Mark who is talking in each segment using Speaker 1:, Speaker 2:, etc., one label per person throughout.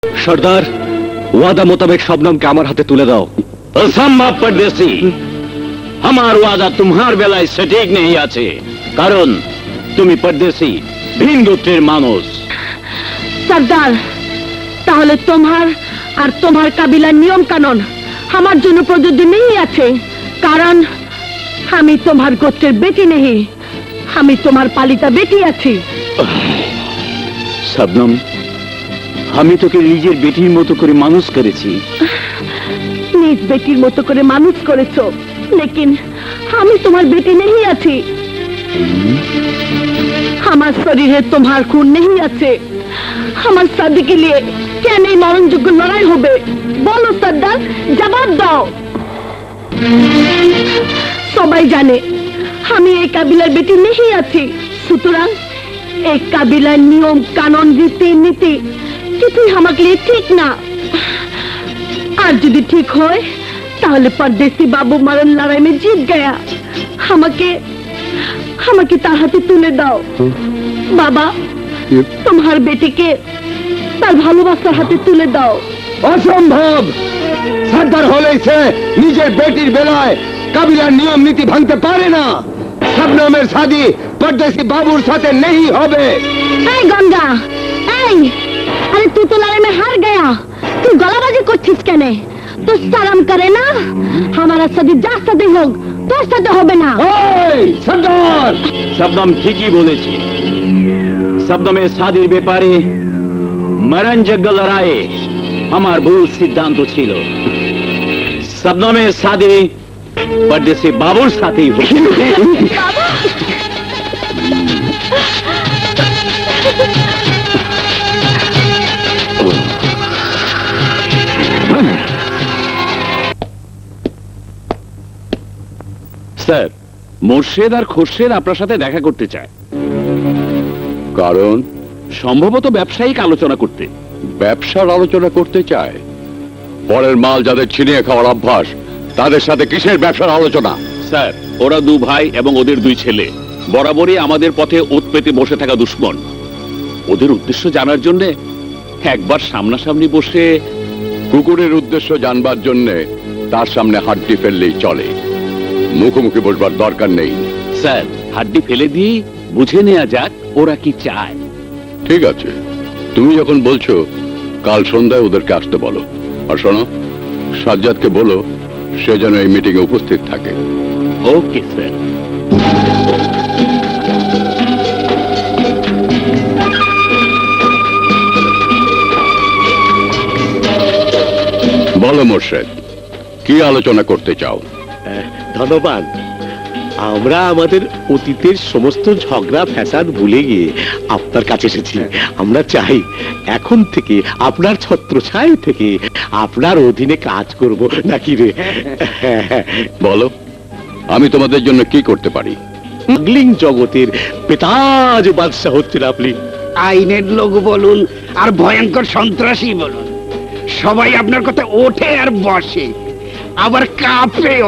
Speaker 1: সর্দার, ওয়াদা মোতাবেক শবনমকে আমার হাতে তুলে দাও।
Speaker 2: असंभव परदेसी, हमार वादा तुम्हार बेलाয় सटीक नहीं আছে, কারণ তুমি परदेसी ভিন গোত্রের মানুষ।
Speaker 3: সর্দার, তাহলে তোমার আর তোমার কাবিলার নিয়ম কানুন আমার জন্য প্রযোজ্য নেই আছে, কারণ আমি তোমার গোত্রের বেটি নেই, আমি তোমার পালিতা বেটি আছি।
Speaker 2: শবনম, আমি তোকে নিজের বেটির মতো করে মানুষ করেছি।
Speaker 3: নিজ বেটির মতো করে মানুষ করেছো, লেকিন আমি তোমার বেটি নেই আছি। আমার শরীরে তোমার খুন নেই আছে। আমার শাদীকে নিয়ে কেন এই মরণযোগ্য লড়াই হবে? বলো সর্দার, জবাব দাও। সবাই জানে আমি এই কাবিলার বেটি নেই আছি, সুতরাং এই কাবিলার নিয়ম কানুন রীতি নীতি কিছুই আমাকে লিয়ে ঠিক না। আর যদি ঠিক হয় তাহলে परदेसी बाबू मरण लड़ाई में जीत गया। আমাকে তার হাতে তুলে দাও। বাবা, তোমার বেটিকে তার ভালোবাসার হাতে তুলে দাও।
Speaker 1: অসম্ভব! সর্দার হলেই সে নিজের বেটির বেলায় কাবিলার নিয়ম নীতি ভাঙতে পারে না। শবনমের শাদী परदेसी বাবুর সাথে नहीं হবে।
Speaker 3: এই গঙ্গা, এই, আরে তুই তো লড়াই में हार गया, তুই গলাবাজি করছিস কেন? তো শরম করে না? हमारा शादी যার সাথে হোক, তোর সাথে হবে না।
Speaker 1: এই সর্দার!
Speaker 2: শবনম ঠিকই বলেছে। শবনমের শাদীর ব্যাপারে মরণযোগ্য লড়াইয়ে আমার ভুল সিদ্ধান্ত ছিল। শবনমের শাদী परदेसी বাবুর সাথেই হবে। স্যার, মোর্শেদ আর খোরশেদ আপনার সাথে দেখা করতে চায়।
Speaker 4: কারণ
Speaker 2: সম্ভবত ব্যবসায়িক আলোচনা করতে।
Speaker 4: ব্যবসার আলোচনা করতে চায়? পরের মাল যাদের ছিনিয়ে খাওয়ার অভ্যাস, তাদের সাথে কিসের ব্যবসার আলোচনা?
Speaker 2: স্যার, ওরা দু ভাই এবং ওদের দুই ছেলে বরাবরই আমাদের পথে ওত পেতে বসে থাকা দুশমন। ওদের উদ্দেশ্য জানার জন্য একবার সামনাসামনি বসে
Speaker 4: কুকুরের উদ্দেশ্য জানবার জন্য তার সামনে হাড্ডি ফেললেই চলে, মুখোমুখি বসবার দরকার নেই।
Speaker 2: স্যার, হাড্ডি ফেলে দিয়ে বুঝে নেওয়া যাক ওরা কি চায়।
Speaker 4: ঠিক আছে, তুমি যখন বলছো কাল সন্ধ্যায় ওদেরকে আসতে বলো। আর শোনো, সাজ্জাদকে বলো সে যেন এই মিটিং এ উপস্থিত থাকে।
Speaker 2: Okay sir.
Speaker 4: বলো মোর্শেদ, কি আলোচনা করতে চাও?
Speaker 5: ধন্যবাদ। আমরা আমাদের অতীতের সমস্ত ঝগড়া ফ্যাসাদ ভুলে গিয়ে আপনার কাছে এসেছি। আমরা চাই এখন থেকে আপনার ছত্রছায়া থেকে আপনার অধীনে কাজ করব, নাকি রে?
Speaker 4: বলো, আমি তোমাদের জন্য কি করতে পারি?
Speaker 5: স্মাগলিং জগতের পেতাজ বাদশাহ হচ্ছেন আপনি।
Speaker 6: আইনের লোক বলুন আর ভয়ঙ্কর সন্ত্রাসী বলুন, সবাই আপনার কথা ওঠে আর বসে, আবার কাঁপেও।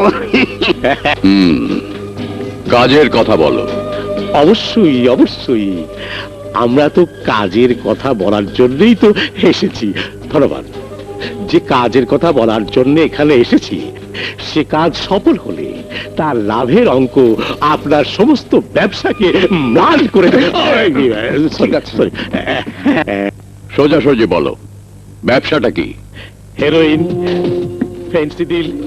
Speaker 4: কাজের কথা বলো।
Speaker 5: অবশ্যই অবশ্যই, আমরা তো কাজের কথা বলার জন্যই তো এসেছি। ধন্যবাদ। যে কাজের কথা বলার জন্য এখানে এসেছি, সে কাজ সফল হলে তার লাভের অঙ্ক আপনার সমস্ত ব্যবসাকে ম্লান করে
Speaker 4: সোজাসুজি বলো, ব্যবসাটা কি?
Speaker 5: Heroin, Phensedyl,